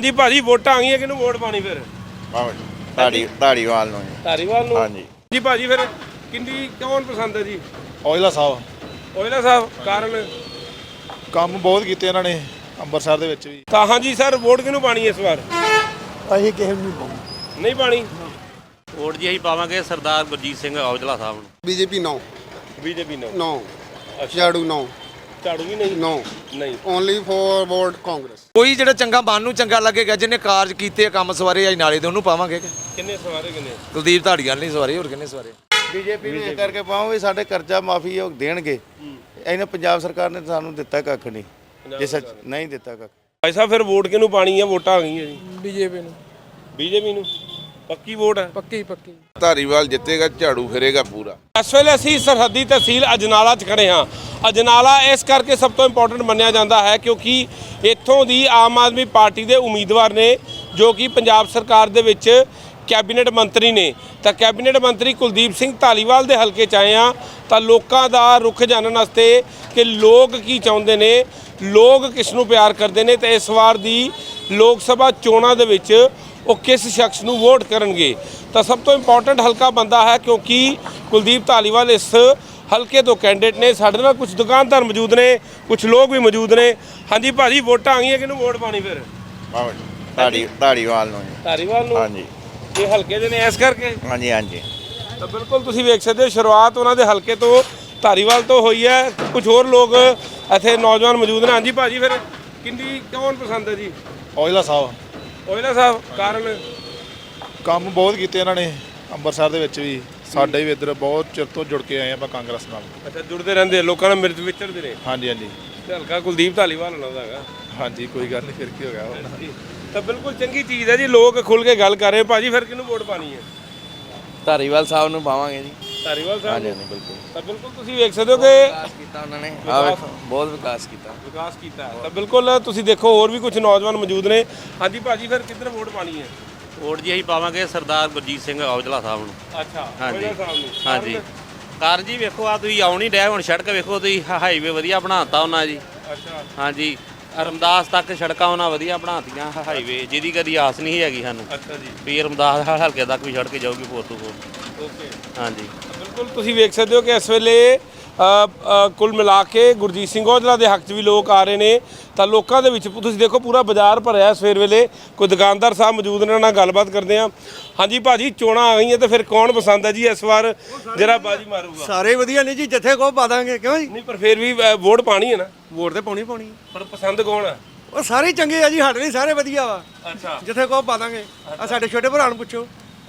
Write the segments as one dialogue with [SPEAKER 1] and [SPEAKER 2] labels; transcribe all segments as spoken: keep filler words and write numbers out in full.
[SPEAKER 1] ਹਾਂਜੀ ਭਾਜੀ ਵੋਟਾਂ ਆ ਗਈਆਂ, ਕਿਹਨੂੰ ਵੋਟ ਪਾਣੀ ਫਿਰ?
[SPEAKER 2] ਧਾੜੀ ਧਾੜੀਵਾਲ ਨੂੰ ਜੀ।
[SPEAKER 1] ਧਾਰੀਵਾਲ ਨੂੰ?
[SPEAKER 2] ਹਾਂਜੀ
[SPEAKER 1] ਜੀ ਭਾਜੀ ਫਿਰ ਕਿੰਨੀ ਕੌਣ ਪਸੰਦ ਹੈ ਜੀ?
[SPEAKER 3] ਔਜਲਾ ਸਾਹਿਬ।
[SPEAKER 1] ਔਜਲਾ ਸਾਹਿਬ ਕਾਰਨ?
[SPEAKER 3] ਕੰਮ ਬਹੁਤ ਕੀਤੇ ਇਹਨਾਂ ਨੇ ਅੰਮ੍ਰਿਤਸਰ ਦੇ ਵਿੱਚ ਵੀ।
[SPEAKER 1] ਤਾਂ ਹਾਂਜੀ ਸਰ ਵੋਟ ਕਿਹਨੂੰ ਪਾਣੀ ਇਸ ਵਾਰ?
[SPEAKER 4] ਅਸੀਂ ਕਿਸੇ ਨੂੰ ਨਹੀਂ ਪਾਉਂਦੇ।
[SPEAKER 1] ਨਹੀਂ ਪਾਣੀ?
[SPEAKER 5] ਵੋਟ ਜੀ ਅਸੀਂ ਪਾਵਾਂਗੇ ਸਰਦਾਰ ਗੁਰਜੀਤ ਸਿੰਘ ਔਜਲਾ ਸਾਹਿਬ ਨੂੰ।
[SPEAKER 6] ਬੀਜੇਪੀ ਨੋ
[SPEAKER 1] ਬੀਜੇਪੀ ਨੂੰ?
[SPEAKER 6] ਨੋ ਝਾੜੂ ਨੋ
[SPEAKER 1] ਝਾੜੂ ਵੀ ਨਹੀਂ?
[SPEAKER 6] ਨੋ
[SPEAKER 1] ਨਹੀਂ
[SPEAKER 6] ਓਨਲੀ ਫॉर ਵੋਟ ਕਾਂਗਰਸ।
[SPEAKER 7] ਕੋਈ ਜਿਹੜਾ ਚੰਗਾ ਮਨ ਨੂੰ ਚੰਗਾ ਲੱਗੇਗਾ, ਜਿਹਨੇ ਕਾਰਜ ਕੀਤੇ ਕੰਮ ਸਵਾਰੇ ਆਈ ਨਾਲੇ ਦੇ ਉਹਨੂੰ ਪਾਵਾਂਗੇ।
[SPEAKER 1] ਕਿੰਨੇ ਸਵਾਰੇ ਕਿੰਨੇ?
[SPEAKER 7] ਕੁਲਦੀਪ ਧਾੜੀਵਾਲ ਨਹੀਂ ਸਵਾਰੇ, ਹੋਰ ਕਿੰਨੇ ਸਵਾਰੇ?
[SPEAKER 2] ਬੀਜੇਪੀ ਨੂੰ ਇਹ ਕਰਕੇ ਪਾਵਾਂਗੇ ਸਾਡੇ ਕਰਜ਼ਾ ਮਾਫੀ ਉਹ ਦੇਣਗੇ। ਇਹਨੇ ਪੰਜਾਬ ਸਰਕਾਰ ਨੇ ਸਾਨੂੰ ਦਿੱਤਾ ਕੱਖ ਨਹੀਂ, ਜੇ ਸੱਚ ਨਹੀਂ ਦਿੱਤਾ ਕੱਖ।
[SPEAKER 1] ਭਾਈ ਸਾਹਿਬ ਫਿਰ ਵੋਟ ਕਿਹਨੂੰ ਪਾਣੀ ਹੈ? ਵੋਟਾਂ ਆ ਗਈਆਂ ਜੀ।
[SPEAKER 4] ਬੀਜੇਪੀ ਨੂੰ।
[SPEAKER 1] ਬੀਜੇਪੀ ਨੂੰ ਪੱਕੀ ਵੋਟ ਹੈ?
[SPEAKER 4] ਪੱਕੀ ਪੱਕੀ।
[SPEAKER 2] ਧਾਰੀਵਾਲ ਜਿੱਤੇਗਾ, ਝਾੜੂ ਫਿਰੇਗਾ ਪੂਰਾ।
[SPEAKER 1] ਇਸ ਵੇਲੇ ਅਸੀਂ ਸਰਹੱਦੀ ਤਹਿਸੀਲ ਅਜਨਾਲਾ 'ਚ ਖੜੇ ਹਾਂ। ਅਜਨਾਲਾ ਇਸ ਕਰਕੇ ਸਭ ਤੋਂ ਇੰਪੋਰਟੈਂਟ ਮੰਨਿਆ ਜਾਂਦਾ ਹੈ ਕਿਉਂਕਿ ਇੱਥੋਂ ਦੀ ਆਮ ਆਦਮੀ ਪਾਰਟੀ ਦੇ ਉਮੀਦਵਾਰ ਨੇ ਜੋ ਕਿ ਪੰਜਾਬ ਸਰਕਾਰ ਦੇ ਵਿੱਚ ਕੈਬਨਿਟ ਮੰਤਰੀ ਨੇ। ਤਾਂ ਕੈਬਨਿਟ ਮੰਤਰੀ ਕੁਲਦੀਪ ਸਿੰਘ ਧਾਲੀਵਾਲ ਦੇ ਹਲਕੇ 'ਚ ਆਏ ਹਾਂ ਤਾਂ ਲੋਕਾਂ ਦਾ ਰੁਖ ਜਾਣਨ ਵਾਸਤੇ ਕਿ ਲੋਕ ਕੀ ਚਾਹੁੰਦੇ ਨੇ, ਲੋਕ ਕਿਸ ਨੂੰ ਪਿਆਰ ਕਰਦੇ ਨੇ ਤੇ ਇਸ ਵਾਰ ਦੀ ਲੋਕ ਸਭਾ ਚੋਣਾਂ ਦੇ ਵਿੱਚ ਉਹ ਕਿਸ ਸ਼ਖਸ ਨੂੰ ਵੋਟ ਕਰਨਗੇ। ਤਾਂ ਸਭ ਤੋਂ ਇੰਪੋਰਟੈਂਟ ਹਲਕਾ ਬੰਦਾ ਹੈ ਕਿਉਂਕਿ ਕੁਲਦੀਪ ਧਾਲੀਵਾਲ ਇਸ ਹਲਕੇ ਤੋਂ ਕੈਂਡੀਡੇਟ ਨੇ। ਸਾਡੇ ਨਾਲ ਕੁਝ ਦੁਕਾਨਦਾਰ ਮੌਜੂਦ ਨੇ, ਕੁਝ ਲੋਕ ਵੀ ਮੌਜੂਦ ਨੇ। ਹਾਂਜੀ ਭਾਜੀ ਵੋਟਾਂ ਆ ਗਈਆਂ, ਕਿਹਨੂੰ ਵੋਟ ਪਾਣੀ ਫਿਰ?
[SPEAKER 2] ਧਾੜੀ ਧਾੜੀਵਾਲ ਨੂੰ ਜੀ।
[SPEAKER 1] ਧਾਰੀਵਾਲ ਨੂੰ?
[SPEAKER 2] ਹਾਂਜੀ
[SPEAKER 1] ਇਹ ਹਲਕੇ ਦੇ ਨੇ ਇਸ ਕਰਕੇ?
[SPEAKER 2] ਹਾਂਜੀ ਹਾਂਜੀ।
[SPEAKER 1] ਤਾਂ ਬਿਲਕੁਲ ਤੁਸੀਂ ਵੇਖ ਸਕਦੇ ਹੋ ਸ਼ੁਰੂਆਤ ਉਹਨਾਂ ਦੇ ਹਲਕੇ ਤੋਂ ਧਾਰੀਵਾਲ ਤੋਂ ਹੋਈ ਹੈ। ਕੁਝ ਹੋਰ ਲੋਕ ਇੱਥੇ ਨੌਜਵਾਨ ਮੌਜੂਦ ਨੇ। ਹਾਂਜੀ ਭਾਜੀ ਫਿਰ ਕਿੰਨੀ ਕੌਣ ਪਸੰਦ ਹੈ ਜੀ?
[SPEAKER 3] ਔਜਲਾ ਸਾਹਿਬ।
[SPEAKER 1] ਔਜਲਾ ਸਾਹਿਬ ਕਾਰਨ?
[SPEAKER 3] ਕੰਮ ਬਹੁਤ ਕੀਤੇ ਇਹਨਾਂ ਨੇ ਅੰਮ੍ਰਿਤਸਰ ਦੇ ਵਿੱਚ ਵੀ। ਸਾਡੇ ਵੀ ਇੱਧਰ ਬਹੁਤ ਚਿਰ ਤੋਂ ਜੁੜ ਕੇ ਆਏ ਆਪਾਂ ਕਾਂਗਰਸ ਨਾਲ।
[SPEAKER 1] ਅੱਛਾ ਜੁੜਦੇ ਰਹਿੰਦੇ ਲੋਕਾਂ ਨਾਲ ਮਿਰਚ ਵਿਚਰਦੇ ਨੇ?
[SPEAKER 3] ਹਾਂਜੀ ਹਾਂਜੀ
[SPEAKER 1] ਤੇ ਹਲਕਾ ਕੁਲਦੀਪ ਧਾਲੀਵਾਲ ਨਾਲ ਦਾ ਹੈਗਾ।
[SPEAKER 3] ਹਾਂਜੀ ਕੋਈ ਗੱਲ ਨਹੀਂ, ਫਿਰ ਕੀ ਹੋ ਗਿਆ ਹੁਣ।
[SPEAKER 1] ਤਾਂ ਬਿਲਕੁਲ ਚੰਗੀ ਚੀਜ਼ ਹੈ ਜੀ, ਲੋਕ ਖੁੱਲ ਕੇ ਗੱਲ ਕਰ ਰਹੇ। ਭਾਜੀ ਫਿਰ ਕਿਹਨੂੰ ਵੋਟ ਪਾਣੀ ਹੈ?
[SPEAKER 7] ਧਾਰੀਵਾਲ ਸਾਹਿਬ ਨੂੰ ਪਾਵਾਂਗੇ ਜੀ।
[SPEAKER 1] ਧਾਰੀਵਾਲ ਸਾਹਿਬ?
[SPEAKER 7] ਹਾਂਜੀ ਹਾਂਜੀ ਬਿਲਕੁਲ।
[SPEAKER 1] ਤਾਂ ਬਿਲਕੁਲ ਤੁਸੀਂ ਵੇਖ ਸਕਦੇ ਹੋ ਕਿ
[SPEAKER 7] ਵਿਕਾਸ ਕੀਤਾ ਉਹਨਾਂ ਨੇ, ਆਹ ਵੇਖੋ ਬਹੁਤ ਵਿਕਾਸ ਕੀਤਾ।
[SPEAKER 1] ਵਿਕਾਸ ਕੀਤਾ ਹੈ। ਤਾਂ ਬਿਲਕੁਲ ਤੁਸੀਂ ਦੇਖੋ ਹੋਰ ਵੀ ਕੁਝ ਨੌਜਵਾਨ ਮੌਜੂਦ ਨੇ। ਹਾਂਜੀ ਭਾਜੀ ਫਿਰ ਕਿੱਧਰ ਵੋਟ ਪਾਣੀ ਹੈ?
[SPEAKER 5] ਵੋਟ ਜੀ ਅਸੀਂ ਪਾਵਾਂਗੇ ਸਰਦਾਰ ਗੁਰਜੀਤ ਸਿੰਘ ਔਜਲਾ ਸਾਹਿਬ ਨੂੰ।
[SPEAKER 1] ਅੱਛਾ
[SPEAKER 5] ਹਾਂਜੀ
[SPEAKER 1] ਔਜਲਾ ਸਾਹਿਬ ਨੂੰ?
[SPEAKER 5] ਹਾਂਜੀ। ਕਾਰਨ ਜੀ ਵੇਖੋ ਆ ਤੁਸੀਂ ਆਉਣ ਹੀ ਡਿਆ, ਹੁਣ ਸੜਕ ਵੇਖੋ ਤੁਸੀਂ, ਹਾਈਵੇ ਵਧੀਆ ਬਣਾਤਾ ਉਹਨਾਂ ਜੀ।
[SPEAKER 1] ਅੱਛਾ
[SPEAKER 5] ਹਾਂਜੀ ਰਮਦਾਸ ਤੱਕ ਸੜਕਾਂ ਉਹਨਾਂ ਵਧੀਆ ਬਣਾਤੀਆਂ, ਹਾਈਵੇ ਜਿਹਦੀ ਕਦੀ ਆਸ ਨਹੀਂ ਹੈਗੀ ਸਾਨੂੰ
[SPEAKER 1] ਅੱਛਾ ਜੀ।
[SPEAKER 5] ਵੀ ਰਮਦਾਸ ਹਲਕੇ ਤੱਕ ਵੀ ਸੜਕ ਜਾਊਗੀ ਫੋਰ ਟੂ ਫੋਰ।
[SPEAKER 1] ਓਕੇ
[SPEAKER 5] ਹਾਂਜੀ
[SPEAKER 1] ਬਿਲਕੁਲ ਤੁਸੀਂ ਵੇਖ ਸਕਦੇ ਹੋ ਕਿ ਇਸ ਵੇਲੇ ਕੁੱਲ ਮਿਲਾ ਕੇ ਗੁਰਜੀਤ ਸਿੰਘ ਔਜਲਾ ਦੇ ਹੱਕ 'ਚ ਵੀ ਲੋਕ ਆ ਰਹੇ ਨੇ। ਤਾਂ ਲੋਕਾਂ ਦੇ ਵਿੱਚ ਤੁਸੀਂ ਦੇਖੋ ਪੂਰਾ ਬਾਜ਼ਾਰ ਭਰਿਆ ਸਵੇਰ ਵੇਲੇ। ਕੋਈ ਦੁਕਾਨਦਾਰ ਸਾਹਿਬ ਮੌਜੂਦ ਨੇ, ਉਹਨਾਂ ਨਾਲ ਗੱਲਬਾਤ ਕਰਦੇ ਹਾਂ। ਹਾਂਜੀ ਭਾਜੀ ਚੋਣਾਂ ਆ ਗਈਆਂ ਤੇ ਫਿਰ ਕੌਣ ਪਸੰਦ ਹੈ ਜੀ ਇਸ ਵਾਰ ਜਿਹੜਾ ਬਾਜੀ ਮਾਰੂਗਾ?
[SPEAKER 4] ਸਾਰੇ ਵਧੀਆ ਨੇ ਜੀ, ਜਿੱਥੇ ਕੋ ਪਾ ਦਾਂਗੇ। ਕਿਉਂ ਜੀ?
[SPEAKER 1] ਨਹੀਂ ਪਰ ਫਿਰ ਵੀ ਅ, ਵੋਟ ਪਾਣੀ ਹੈ ਨਾ?
[SPEAKER 4] ਵੋਟ ਤੇ ਪਾਉਣੀ ਪਾਉਣੀ।
[SPEAKER 1] ਪਰ ਪਸੰਦ ਕੌਣ ਹੈ?
[SPEAKER 4] ਉਹ ਸਾਰੇ ਚੰਗੇ ਆ ਜੀ, ਸਾਡੇ ਲਈ ਸਾਰੇ ਵਧੀਆ ਵਾ।
[SPEAKER 1] ਅੱਛਾ
[SPEAKER 4] ਜਿੱਥੇ ਕੋ ਪਾ ਦਾਂਗੇ। ਆ ਸਾਡੇ ਛੋਟੇ ਭਰਾ ਨੂੰ ਪੁੱਛੋ,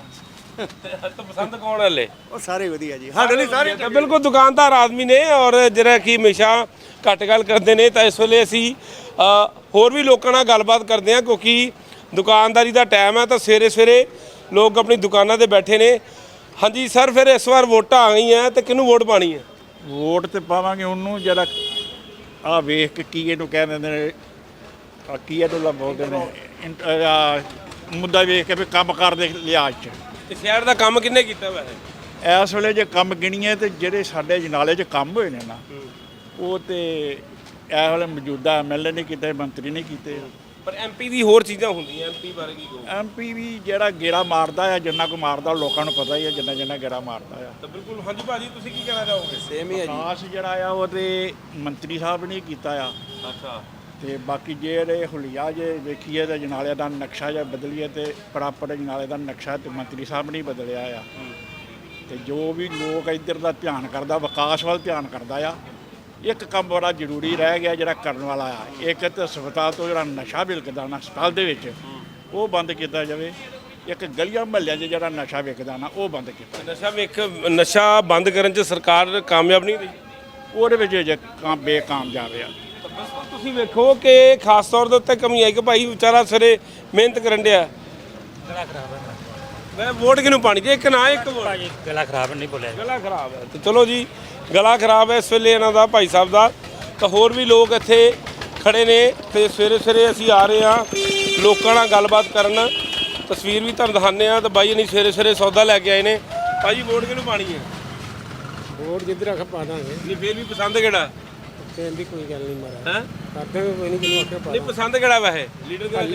[SPEAKER 1] ਤਾਂ ਪਸੰਦ ਕੌਣ ਹੈ ਲੈ?
[SPEAKER 4] ਉਹ ਸਾਰੇ ਵਧੀਆ ਜੀ, ਸਾਡੇ ਲਈ ਸਾਰੇ।
[SPEAKER 1] ਤਾਂ ਬਿਲਕੁਲ ਦੁਕਾਨਦਾਰ ਆਦਮੀ ਨੇ ਔਰ ਜਿਹੜਾ ਕਿ ਹਮੇਸ਼ਾ ਘੱਟ ਗੱਲ ਕਰਦੇ ਨੇ। ਤਾਂ ਇਸ ਵੇਲੇ ਅਸੀਂ ਅ, ਹੋਰ ਵੀ ਲੋਕਾਂ ਨਾਲ ਗੱਲਬਾਤ ਕਰਦੇ ਹਾਂ ਕਿਉਂਕਿ ਦੁਕਾਨਦਾਰੀ ਦਾ ਟਾਈਮ ਹੈ। ਤਾਂ ਸਵੇਰੇ ਸਵੇਰੇ ਲੋਕ ਆਪਣੀ ਦੁਕਾਨਾਂ ਤੇ ਬੈਠੇ ਨੇ। ਹਾਂਜੀ ਸਰ ਫਿਰ ਇਸ ਵਾਰ ਵੋਟਾਂ ਆ ਗਈਆਂ ਤੇ ਕਿਹਨੂੰ ਵੋਟ ਪਾਣੀ ਹੈ?
[SPEAKER 8] ਵੋਟ ਤੇ ਪਾਵਾਂਗੇ ਉਹਨੂੰ ਜਿਹੜਾ ਆ ਵੇਖ ਕੇ ਕੀ ਇਹਨੂੰ ਕਹਿ ਦਿੰਦੇ ਨੇ, ਆ ਕੀ ਇਹਨੂੰ ਬੋਲਦੇ ਨੇ, ਇੰਟ- ਆਹ ਮੁੱਦਾ ਵੇਖ ਕੇ ਵੀ ਕੰਮ ਕਾਰ ਦੇ ਲਿਹਾਜ਼ 'ਚ।
[SPEAKER 1] ਤੇ ਸ਼ਹਿਰ ਦਾ ਕੰਮ ਕਿੰਨੇ ਕੀਤਾ ਵੈਸੇ?
[SPEAKER 8] ਇਸ ਵੇਲੇ ਜੇ ਕੰਮ ਗਿਣੀਏ ਤੇ ਜਿਹੜੇ ਸਾਡੇ ਜਨਾਲੇ 'ਚ ਕੰਮ ਹੋਏ ਨੇ ਨਾ, ਉਹ ਤੇ ਇਸ ਵੇਲੇ ਮੌਜੂਦਾ ਐਮ ਐਲ ਏ ਨੇ ਕੀਤੇ, ਮੰਤਰੀ ਨੇ ਕੀਤੇ।
[SPEAKER 1] ਪਰ ਐਮਪੀ ਦੀ ਹੋਰ ਚੀਜ਼ਾਂ ਹੁੰਦੀਆਂ, ਐਮਪੀ ਬਾਰੇ ਕੀ ਕਹੋ?
[SPEAKER 8] ਐਮ ਪੀ ਵੀ ਜਿਹੜਾ ਗੇੜਾ ਮਾਰਦਾ ਆ, ਜਿੰਨਾ ਕੋ ਮਾਰਦਾ ਲੋਕਾਂ ਨੂੰ ਪਤਾ ਹੀ ਆ, ਜਿੰਨਾ ਜਿੰਨਾ ਗੇੜਾ ਮਾਰਦਾ ਆ।
[SPEAKER 1] ਤਾਂ ਬਿਲਕੁਲ ਹਾਂਜੀ ਭਾਜੀ ਤੁਸੀਂ ਕੀ ਕਹਿਣਾ ਚਾਹੋਗੇ?
[SPEAKER 7] ਸੇਮ ਹੀ ਹੈ ਜੀ।
[SPEAKER 8] ਖਾਸ ਜਿਹੜਾ ਆ ਉਹ ਤੇ ਮੰਤਰੀ ਸਾਹਿਬ ਨੇ ਕੀਤਾ ਆ।
[SPEAKER 1] ਅੱਛਾ
[SPEAKER 8] ਤੇ ਬਾਕੀ ਜਿਹੜੇ ਹੁਲੀਆ ਜੇ ਵੇਖੀਏ ਤਾਂ ਜਨਾਲੇ ਦਾ ਨਕਸ਼ਾ ਜਾਂ ਬਦਲੀਏ ਤੇ ਪ੍ਰਾਪਰ ਜਨਾਲੇ ਦਾ ਨਕਸ਼ਾ ਤੇ ਮੰਤਰੀ ਸਾਹਿਬ ਨੇ ਬਦਲਿਆ ਆ। ਤੇ ਜੋ ਵੀ ਲੋਕ ਇੱਧਰ ਦਾ ਧਿਆਨ ਕਰਦਾ, ਵਿਕਾਸ ਵੱਲ ਧਿਆਨ ਕਰਦਾ ਆ। ਇੱਕ ਕੰਮ ਬੜਾ ਜ਼ਰੂਰੀ ਰਹਿ ਗਿਆ ਜਿਹੜਾ ਕਰਨ ਵਾਲਾ ਆ, ਇੱਕ ਤਾਂ ਹਸਪਤਾਲ ਤੋਂ ਜਿਹੜਾ ਨਸ਼ਾ ਵਿਕਦਾ ਨਾ ਹਸਪਤਾਲ ਦੇ ਵਿੱਚ, ਉਹ ਬੰਦ ਕੀਤਾ ਜਾਵੇ। ਇੱਕ ਗਲੀਆਂ ਮਹੱਲਿਆਂ 'ਚ ਜਿਹੜਾ ਨਸ਼ਾ ਵਿਕਦਾ ਨਾ, ਉਹ ਬੰਦ ਕੀਤਾ।
[SPEAKER 1] ਨਸ਼ਾ ਵੇਖ ਨਸ਼ਾ ਬੰਦ ਕਰਨ 'ਚ ਸਰਕਾਰ ਕਾਮਯਾਬ ਨਹੀਂ ਰਹੀ?
[SPEAKER 8] ਉਹਦੇ ਵਿੱਚ ਜੇ ਕੰਮ ਬੇਕਾਮਯਾਬ ਆ।
[SPEAKER 1] ਤੁਸੀਂ ਵੇਖੋ ਕਿ ਖਾਸ ਤੌਰ ਦੇ ਉੱਤੇ ਕਮੀ ਆਈ ਕਿ ਭਾਈ ਵਿਚਾਰਾ ਸਵੇਰੇ ਮਿਹਨਤ ਕਰਨ ਡਿਆ।
[SPEAKER 9] ਗਲਾ ਖਰਾਬ ਹੈ
[SPEAKER 1] ਮੈਂ ਵੋਟ ਕਿਹਨੂੰ ਪਾਣੀ ਜੇ ਇੱਕ ਨਾ ਇੱਕ ਵੋਟ?
[SPEAKER 9] ਭਾਜੀ ਗਲਾ ਖਰਾਬ ਨਹੀਂ ਬੋਲਿਆ।
[SPEAKER 1] ਗਲਾ ਖਰਾਬ ਹੈ ਤੇ ਚਲੋ ਜੀ ਗਲਾ ਖਰਾਬ ਹੈ ਇਸ ਵੇਲੇ ਇਹਨਾਂ ਦਾ, ਭਾਈ ਸਾਹਿਬ ਦਾ। ਤਾਂ ਹੋਰ ਵੀ ਲੋਕ ਇੱਥੇ ਖੜੇ ਨੇ ਤੇ ਸਵੇਰੇ ਸਵੇਰੇ ਅਸੀਂ ਆ ਰਹੇ ਹਾਂ ਲੋਕਾਂ ਨਾਲ ਗੱਲਬਾਤ ਕਰਨ। ਤਸਵੀਰ ਵੀ ਤੁਹਾਨੂੰ ਦਿਖਾਉਂਦੇ ਹਾਂ। ਤਾਂ ਬਾਈ ਨਹੀਂ ਸਵੇਰੇ ਸਵੇਰੇ ਸੌਦਾ ਲੈ ਕੇ ਆਏ ਨੇ। ਭਾਜੀ ਵੋਟ ਕਿਹਨੂੰ ਪਾਣੀ ਹੈ?
[SPEAKER 4] ਵੋਟ ਜਿੱਧਰ ਆਖ ਪਾ ਦਾਂਗੇ।
[SPEAKER 1] ਨਹੀਂ ਫਿਰ ਵੀ ਪਸੰਦ ਕਿਹੜਾ?
[SPEAKER 4] ਕਹਿੰਦੀ ਕੋਈ ਗੱਲ ਨਹੀਂ ਮਾਰਾ,
[SPEAKER 1] ਹੈ
[SPEAKER 4] ਕਰਦੇ ਕੋਈ ਨਹੀਂ, ਜਿਹਨੂੰ ਆਖਿਆ ਪਾ
[SPEAKER 1] ਨਹੀਂ ਪਸੰਦ ਕਿਹੜਾ ਵੈਸੇ ਲੀਡਰ ਕਿਹੜਾ?